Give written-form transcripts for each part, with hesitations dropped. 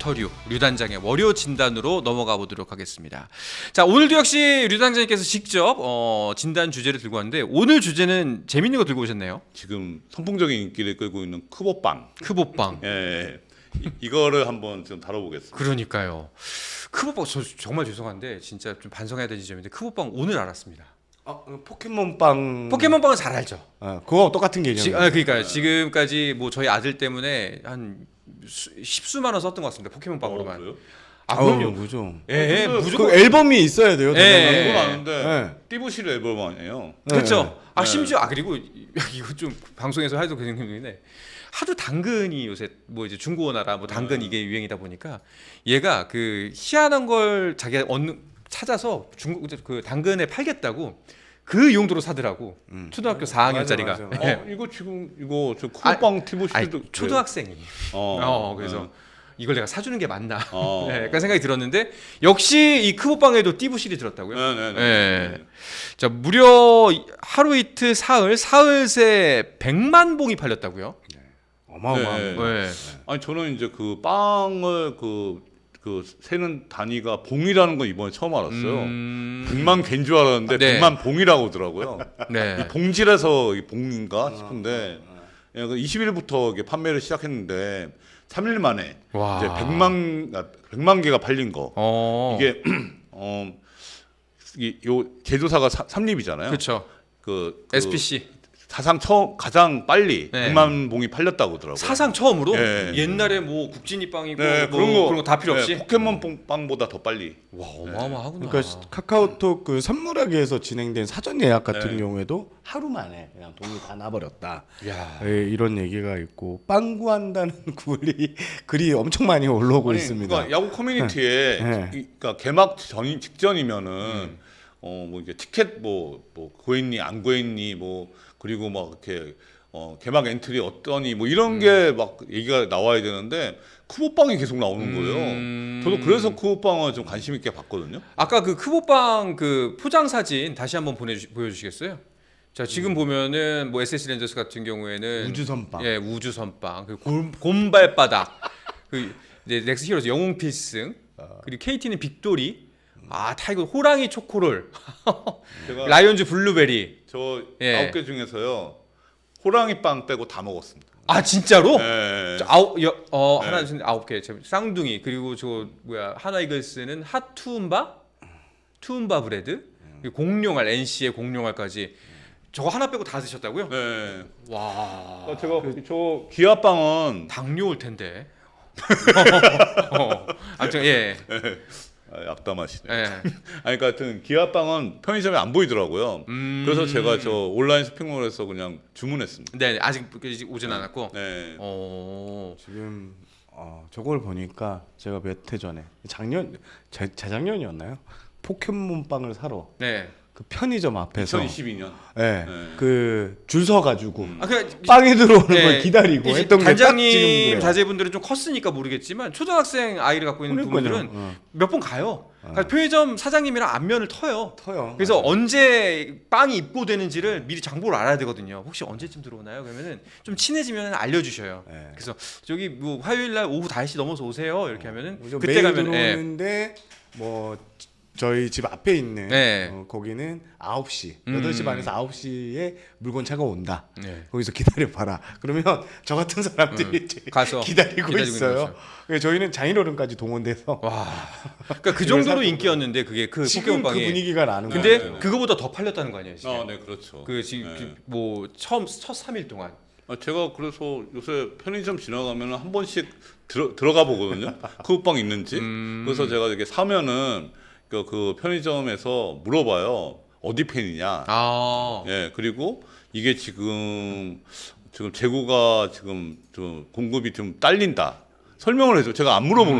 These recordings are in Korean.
버터류 류단장의 월요 진단으로 넘어가 보도록 하겠습니다. 자, 오늘도 역시 류단장님께서 직접 진단 주제를 들고 왔는데 오늘 주제는 재밌는 거 들고 오셨네요. 지금 선풍적인 인기를 끌고 있는 크보빵. 크보빵. 예. 이거를 한번 좀 다뤄보겠습니다. 그러니까요. 크보빵 저 정말 죄송한데 진짜 좀 반성해야 될 지점인데 크보빵 오늘 알았습니다. 포켓몬빵. 포켓몬빵은 잘 알죠. 그거 똑같은 개념이에요. 그러니까 지금까지 뭐 저희 아들 때문에 한 십수만 원 썼던 것 같습니다. 포켓몬빵으로만. 그래요? 그럼요. 무죠. 예, 근데 무조건. 그 앨범이 있어야 돼요. 예. 그건 아는데 네. 띠부실 앨범 아니에요? 그렇죠. 네. 심지어 그리고 이거 좀 방송에서 하도 그런 얘기인데 하도 당근이 요새 뭐 이제 중고나라 뭐 당근 이게 유행이다 보니까 얘가 그 희한한 걸 자기가 찾아서 중국 그 당근에 팔겠다고 그 용도로 사더라고. 초등학교 4학년짜리가. 맞아. 이거 지금 이거 저 크보빵 띠부실도 초등학생이. 그래서 이걸 내가 사주는 게 맞나? 네, 약간 생각이 들었는데 역시 이 크보빵에도 띠부실이 들었다고요. 네. 자, 무려 하루 이틀 사흘 새 100만 봉이 팔렸다고요. 어마어마한. 네. 아니 저는 이제 그 빵을 그 세는 단위가 봉이라는 건 이번에 처음 알았어요. 100만 개인 줄 알았는데 네. 100만 봉이라고 하더라고요. 네. 이 봉지라서 이 봉인가 싶은데 20일부터 이게 판매를 시작했는데 3일 만에 와. 이제 100만 개가 팔린 거. 이게 요 제조사가 삼립이잖아요. 그렇죠. 그 SPC 사상 가장 빨리 네. 100만 봉이 팔렸다고 하더라고요. 사상 처음으로 네. 옛날에 뭐 국진이 빵이고 네, 뭐 그런 거 다 필요 없이. 네, 포켓몬 빵보다 더 빨리. 와, 어마어마하구나. 그러니까 카카오톡 그 선물하기에서 진행된 사전 예약 같은 네. 경우에도 하루 만에 그냥 돈이 다 나버렸다. 야. 이런 얘기가 있고 빵 구한다는 글이 엄청 많이 올라오고 있습니다. 그러니까 야구 커뮤니티에 네. 그러니까 개막 직전이면은 뭐 이게 티켓 뭐 구했니 안 구했니 뭐 그리고 막 이렇게 개막 엔트리 어떠니 뭐 이런 게 막 얘기가 나와야 되는데 크보빵이 계속 나오는 거예요. 저도 그래서 크보빵을 좀 관심 있게 봤거든요. 아까 그 크보빵 그 포장 사진 다시 한번 보여주시겠어요? 자, 지금 보면은 뭐 SSG 렌저스 같은 경우에는 우주선빵. 예, 우주선빵. 그 곰발바닥. 그 이제 넥스 히어로즈 영웅 필승. 그리고 KT는 빅토리. 타이거 호랑이 초코롤. 제가 라이온즈 블루베리. 저 예. 9개 중에서요 호랑이 빵 빼고 다 먹었습니다. 진짜로? 네. 자, 하나 둘 셋, 9개. 쌍둥이. 그리고 저 하나 이글스는 핫투움바 브레드. 그리고 공룡알 NC의 공룡알까지. 저거 하나 빼고 다 드셨다고요? 네. 와. 제가 저 기아빵은 당뇨 올 텐데. 아무튼 예. 악담하시네. 예. 아니 그러니까 하여튼 기아빵은 편의점에 안 보이더라고요. 그래서 제가 저 온라인 쇼핑몰에서 그냥 주문했습니다. 네, 아직 오진 않았고. 네. 지금 저걸 보니까 제가 몇 해 전에 재작년이었나요? 포켓몬 빵을 사러 네. 그 편의점 앞에서 2022년. 네. 그 줄 서가지고 그 빵이 들어오는 네, 걸 기다리고 이제 했던 게 딱 지금 단장님 그래요. 자제분들은 좀 컸으니까 모르겠지만 초등학생 아이를 갖고 있는 그러니까요. 분들은 몇 번 가요. 그러니까 편의점 사장님이랑 안면을 터요. 그래서 맞아요. 언제 빵이 입고되는지를 미리 정보를 알아야 되거든요. 혹시 언제쯤 들어오나요? 그러면은 좀 친해지면 알려주셔요. 네. 그래서 저기 뭐 화요일날 오후 5시 넘어서 오세요. 이렇게 하면은 그때 매일 가면 들어오는데 뭐 저희 집 앞에 있는 네. 거기는 9시 8시 반에서 9시에 물건차가 온다. 네. 거기서 기다려봐라. 그러면 저 같은 사람들이 이제 가서 기다리고 있어요. 그래서 저희는 장인어른까지 동원돼서 와. 그러니까 그 정도로 인기였는데 그게 그 지금 그 포켓몬빵이. 분위기가 나는 근데 거예요. 그거보다 더 팔렸다는 거 아니에요, 지금? 네, 그렇죠. 그 지금 뭐 첫 3일 동안. 제가 그래서 요새 편의점 지나가면 한 번씩 들어가 보거든요. 크보빵 있는지. 그래서 제가 이렇게 사면은 그 편의점에서 물어봐요. 어디 팬이냐. 예, 그리고 이게 지금 재고가 지금 좀 공급이 좀 딸린다. 설명을 해줘. 제가 안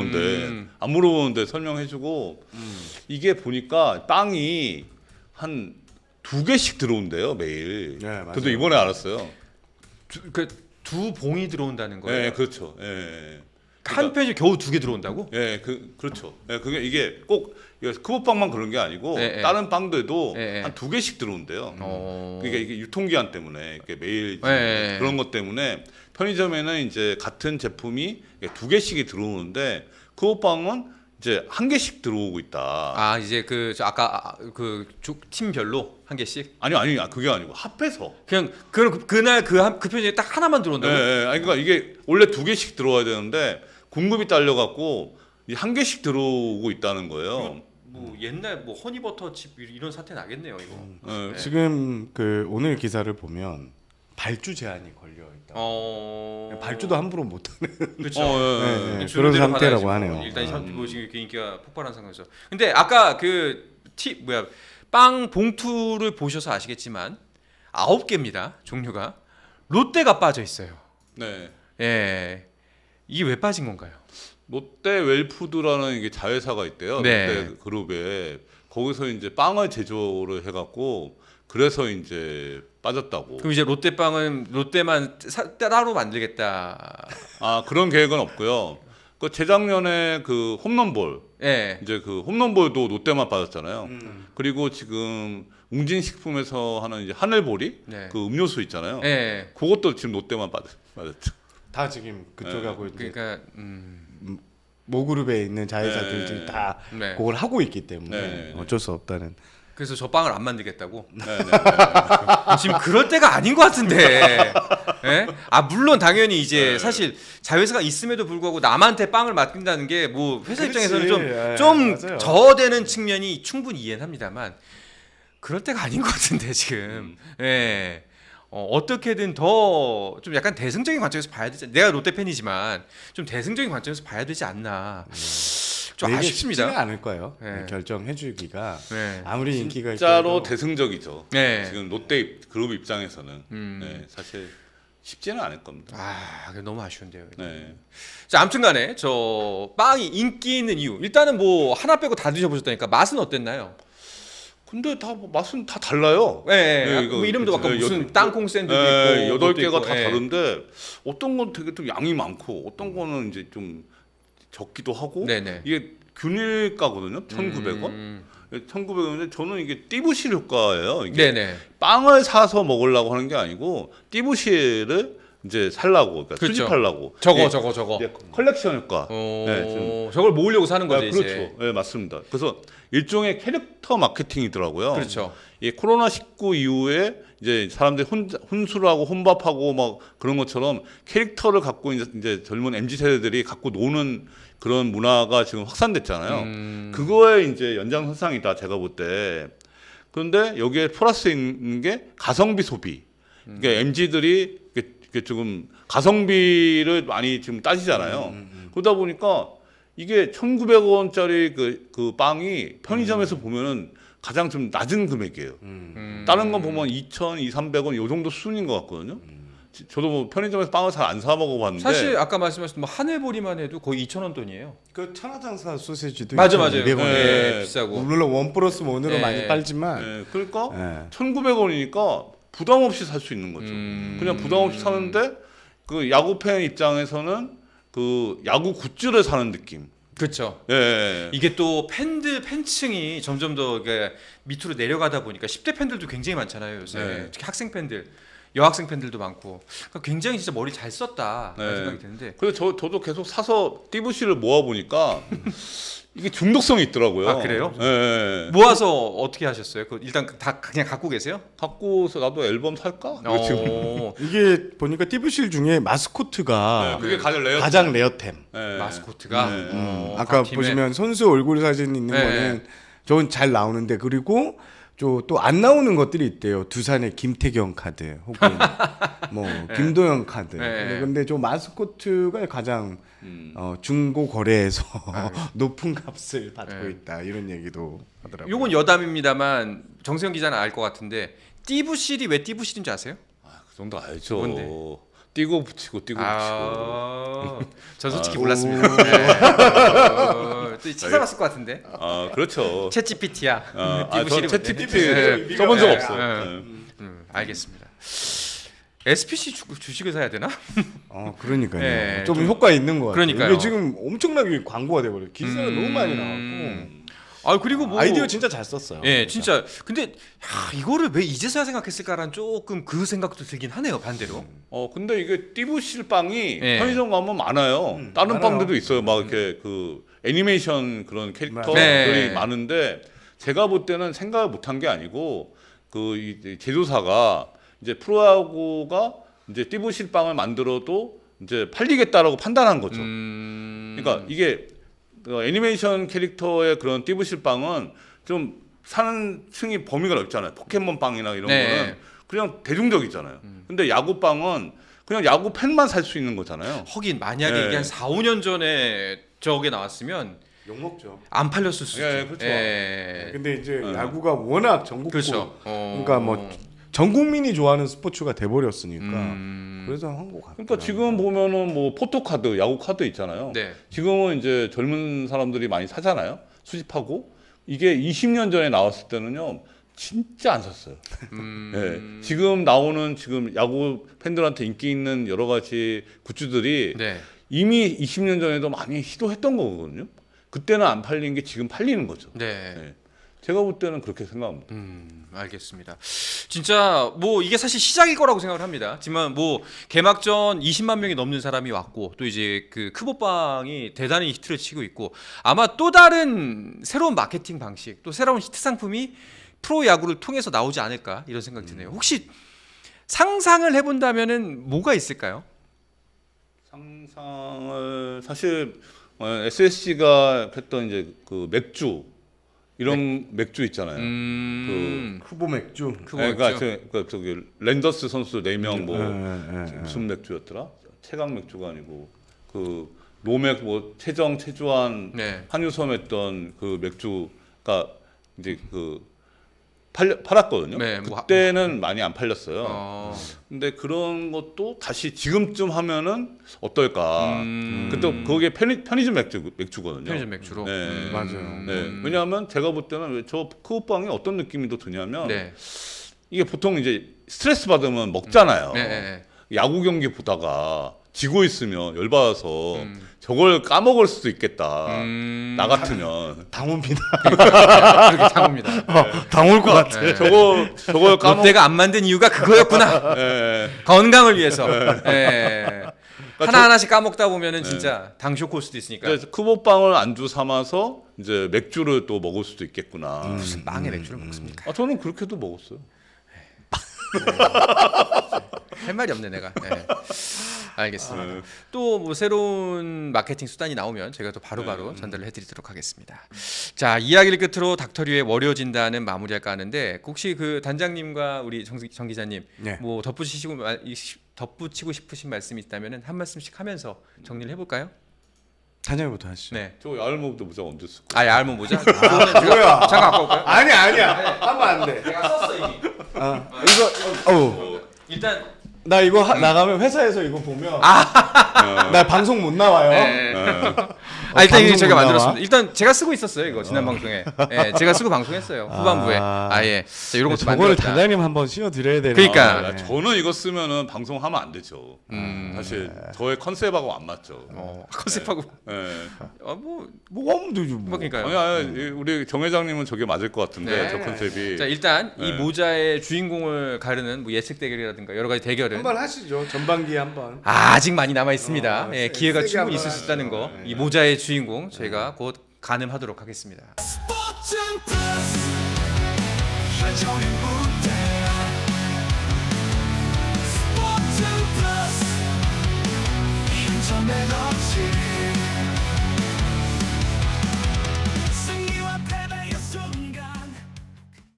물어보는데 설명해주고 이게 보니까 빵이 한 2개씩 들어온대요 매일. 네, 맞아요. 저도 이번에 알았어요. 두 봉이 들어온다는 거예요. 네, 그렇죠. 예. 한 편이 겨우 2개 들어온다고? 예, 그렇죠. 예, 이게 꼭 크보빵만 그런 게 아니고 예, 예. 다른 빵들도 예, 예. 한 2개씩 들어온대요. 그러니까 이게 유통기한 때문에 이게 매일 예, 예. 그런 것 때문에 편의점에는 이제 같은 제품이 2개씩이 들어오는데 그 호빵은 이제 한 개씩 들어오고 있다. 아 이제 아까 팀별로 한 개씩. 아니 그게 아니고 합해서. 그냥 그날 그 편지에 딱 하나만 들어온다고. 네, 아니 그러니까 이게 원래 2개씩 들어와야 되는데 공급이 딸려갖고 한 개씩 들어오고 있다는 거예요. 뭐 옛날 뭐 허니버터칩 이런 사태 나겠네요 이거. 네. 지금 그 오늘 기사를 보면 발주 제한이 걸려 있다. 발주도 함부로 못하는 그렇죠. 네, 그런 상태라고 하네요. 일단 뭐 지금 이렇게 인기가 폭발한 상황에서. 근데 아까 빵 봉투를 보셔서 아시겠지만 9개입니다 종류가. 롯데가 빠져 있어요. 네. 예, 이게 왜 빠진 건가요? 롯데 웰푸드라는 이게 자회사가 있대요. 네. 롯데 그룹에 거기서 이제 빵을 제조를 해갖고 그래서 이제 빠졌다고. 그럼 이제 롯데빵은 롯데만 따로 만들겠다. 아 그런 계획은 없고요. 그 재작년에 그 홈런볼 예. 이제 그 홈런볼도 롯데만 빠졌잖아요. 그리고 지금 웅진식품에서 하는 이제 하늘보리 네. 그 음료수 있잖아요. 예. 그것도 지금 롯데만 빠졌죠. 다 지금 그쪽에 하고 이제 그러니까 모그룹에 있는 자회사들이 다 네. 그걸 하고 있기 때문에 네. 어쩔 수 없다는. 그래서 저 빵을 안 만들겠다고. 네네. 지금 그럴 때가 아닌 것 같은데. 예? 아 물론 당연히 이제 네. 사실 자회사가 있음에도 불구하고 남한테 빵을 맡긴다는 게 뭐 회사 그렇지. 입장에서는 예, 좀 맞아요. 저되는 측면이 충분히 이해는 합니다만 그럴 때가 아닌 것 같은데 지금. 예. 어떻게든 더 좀 약간 대승적인 관점에서 봐야 되지. 내가 롯데 팬이지만 좀 대승적인 관점에서 봐야 되지 않나. 좀 되게 아쉽습니다. 쉽지는 않을 거예요. 네. 결정해주기가 네. 아무리 인기가 진짜로 있어도 대승적이죠. 네. 지금 롯데 그룹 입장에서는 네, 사실 쉽지는 않을 겁니다. 아, 그게 너무 아쉬운데요. 네. 자, 아무튼간에 저 빵이 인기 있는 이유. 일단은 뭐 하나 빼고 다 드셔보셨다니까 맛은 어땠나요? 근데 다 맛은 다 달라요. 네, 이거 뭐 이름도 아까 무슨 여- 땅콩 샌드도 있고 8개가 다 예. 다른데 어떤 건 되게 좀 양이 많고 어떤 거는 이제 좀 적기도 하고 네네. 이게 균일가거든요. 1,900원. 음. 1,900원인데 저는 이게 띠부실 효과예요. 이게 네네. 빵을 사서 먹으려고 하는 게 아니고 띠부실을 이제 살라고 그러니까 그렇죠. 수집하려고. 저거 이게 저거. 이제 컬렉션 효과. 네, 지금. 저걸 모으려고 사는 거죠 아, 이제. 그렇죠. 네, 맞습니다. 그래서 일종의 캐릭터 마케팅이더라고요. 그렇죠. 이 코로나 19 이후에 이제 사람들이 혼술하고 혼밥하고 막 그런 것처럼 캐릭터를 갖고 이제 젊은 MZ 세대들이 갖고 노는 그런 문화가 지금 확산됐잖아요. 그거에 이제 연장선상이다 제가 볼 때. 그런데 여기에 플러스 있는 게 가성비 소비. 그러니까 MZ들이 이게 조금 가성비를 많이 지금 따지잖아요. 그러다 보니까 이게 1,900원짜리 그 빵이 편의점에서 보면은 가장 좀 낮은 금액이에요. 다른 건 보면 2,000, 2,300원 요 정도 수준인 것 같거든요. 저도 뭐 편의점에서 빵을 잘 안 사 먹어봤는데 사실 아까 말씀하신 뭐 하늘보리만 해도 거의 2,000원 돈이에요. 그 천하장사 소시지도 맞아요. 2,200원. 네, 네. 비싸고. 물론 원 플러스 원으로 네. 많이 빨지만 네, 그러니까 네. 1,900원이니까 부담 없이 살 수 있는 거죠. 그냥 부담 없이 사는데 그 야구 팬 입장에서는 그 야구 굿즈를 사는 느낌. 그렇죠. 예. 이게 또 팬층이 점점 더 이게 밑으로 내려가다 보니까 10대 팬들도 굉장히 많잖아요 요새. 네. 특히 학생 팬들, 여학생 팬들도 많고. 그러니까 굉장히 진짜 머리 잘 썼다 네. 생각이 드는데. 그래서 저도 계속 사서 띠부씨를 모아 보니까 이게 중독성이 있더라고요. 아, 그래요? 예. 모아서 어떻게 하셨어요? 일단 다 그냥 갖고 계세요? 갖고서 나도 앨범 살까? 이거 지금. 이게 보니까 띠부실 중에 마스코트가 네, 그게 가장 가장 레어템. 네. 마스코트가. 네. 아까 각 팀에. 보시면 선수 얼굴 사진 있는 네. 거는 저건 잘 나오는데 그리고 또 안 나오는 것들이 있대요. 두산의 김태경 카드 혹은 뭐 김도영 카드. 네. 근데 저 마스코트가 가장 중고 거래에서 아, 높은 값을 받고 네. 있다 이런 얘기도 하더라고요. 요건 여담입니다만 정세영 기자는 알 것 같은데 띠부실이 왜 띠부실인지 아세요? 그 정도 알죠. 뭔데? 띄고 붙이고 띄고 붙이고. 전 솔직히 몰랐습니다. 네. 또 찾아봤을 것 같은데. 아 그렇죠. 챗 GPT야. 전 채티피티 써본 적 없어요. 네. 알겠습니다. SPC 주식을 사야 되나? 그러니까요. 네, 좀 효과 있는 것 같아요. 그러니까요. 이게 지금 엄청나게 광고가 돼버려요. 기사가 너무 많이 나왔고. 아 그리고 뭐 아이디어 진짜 잘 썼어요. 예, 진짜. 근데 야, 이거를 왜 이제서야 생각했을까라는 조금 그 생각도 들긴 하네요. 반대로. 근데 이게 띠부실 빵이 예. 편의점 가면 많아요. 다른 많아요. 빵들도 있어요. 막 이렇게 그 애니메이션 그런 캐릭터들이 네. 많은데 제가 볼 때는 생각을 못한 게 아니고 그 이 제조사가 이제 프로야구가 이제 띠부실 빵을 만들어도 이제 팔리겠다라고 판단한 거죠. 그러니까 이게 애니메이션 캐릭터의 그런 띠부실 빵은 좀 사는 층이 범위가 넓잖아요. 포켓몬 빵이나 이런 네. 거는 그냥 대중적이잖아요. 근데 야구 빵은 그냥 야구 팬만 살 수 있는 거잖아요. 하긴 만약에 예. 이게 한 4, 5년 전에 저게 나왔으면 욕 먹죠. 안 팔렸을 수도 예, 있죠. 그렇죠. 예. 근데 이제 야구가 워낙 전국구 그렇죠. 그러니까 뭐 전 국민이 좋아하는 스포츠가 돼 버렸으니까 그래서 한 거 같아요. 그러니까 지금 보면은 뭐 포토카드, 야구 카드 있잖아요. 네. 지금은 이제 젊은 사람들이 많이 사잖아요. 수집하고 이게 20년 전에 나왔을 때는요. 진짜 안 샀어요. 예. 지금 나오는 지금 야구 팬들한테 인기 있는 여러 가지 굿즈들이 네. 이미 20년 전에도 많이 시도했던 거거든요. 그때는 안 팔린 게 지금 팔리는 거죠. 네. 예. 제가 볼 때는 그렇게 생각합니다. 알겠습니다. 진짜 뭐 이게 사실 시작일 거라고 생각을 합니다. 하지만 뭐 개막전 20만 명이 넘는 사람이 왔고 또 이제 그 크보빵이 대단히 히트를 치고 있고 아마 또 다른 새로운 마케팅 방식 또 새로운 히트 상품이 프로 야구를 통해서 나오지 않을까 이런 생각이 드네요. 혹시 상상을 해본다면은 뭐가 있을까요? 상상을 사실 SSG가 했던 이제 그 맥주 이런 맥주 있잖아요. 후보 맥주. 그러니까 저기 랜더스 선수 4명 뭐 예. 무슨 맥주였더라? 최강 맥주가 아니고 그 노맥 뭐 최정 최주환 네. 한유섬 했던 그 맥주가 이제 그 팔았거든요. 네, 뭐 그때는 많이 안 팔렸어요. 근데 그런 것도 다시 지금쯤 하면은 어떨까? 그때 그게 편의점 맥주거든요. 편의점 맥주로. 네. 맞아요. 네. 왜냐하면 제가 볼 때는 저 크우빵이 어떤 느낌이 더 드냐면 네. 이게 보통 이제 스트레스 받으면 먹잖아요. 네. 야구 경기 보다가 지고 있으면 열받아서 저걸 까먹을 수도 있겠다. 나 같으면 당옵니다. 그렇게 상호입니다. 당올 것 같아. 네. 저걸 까먹. 롯데가 안 만든 이유가 그거였구나. 예. 건강을 위해서. 예. 하나하나씩 까먹다 보면은 진짜 당 쇼크 올 수도 있으니까. 그래서 크보빵을 안주 삼아서 이제 맥주를 또 먹을 수도 있겠구나. 무슨 빵에 맥주를 먹습니까? 저는 그렇게도 먹었어요. 할 말이 없네 내가. 네. 알겠습니다. 또 뭐 새로운 마케팅 수단이 나오면 제가 또 바로바로 전달을 해드리도록 하겠습니다. 자, 이야기를 끝으로 닥터류의 월요 진단은 마무리할까 하는데 혹시 그 단장님과 우리 정 기자님 네. 뭐 덧붙이고 싶으신 말씀이 있다면은 한 말씀씩 하면서 정리를 해볼까요? 단장님부터 하시죠. 네. 저 야알모도 모자 언제 쓰고? 아, 얇은 모자? 뭐야? 잠깐 갖고 올까요? 아니야. 하면 안 돼. 내가 썼어 이미. 이거 일단 나 이거 나가면 회사에서 이거 보면 나 방송 못 나와요. 네. 일단 이게 방송 제가 못 만들었습니다. 나와? 일단 제가 쓰고 있었어요 이거 지난 방송에. 예, 제가 쓰고 방송했어요 후반부에. 예. 자, 이런 것도 저거를 만들었다. 단장님 한번 씌워 드려야 되나? 그러니까. 아, 저는 이거 쓰면은 방송하면 안 되죠. 사실 저의 컨셉하고 안 맞죠. 컨셉하고 예. 뭐 하면 되죠. 뭐. 그러니까요. 아니, 우리 정 회장님은 저게 맞을 것 같은데 네. 저 컨셉이. 자, 일단 이 네. 모자의 주인공을 가르는 뭐 예측 대결이라든가 여러 가지 대결은 한번 하시죠. 전반기에 한번. 아직 많이 남아 있습니다. 예, 세- 기회가 세게 충분히 한번 있을 수 있다는 거. 하죠. 이 모자의 주인공 저희가 곧 가늠하도록 하겠습니다. 스포츠 플러스 한정의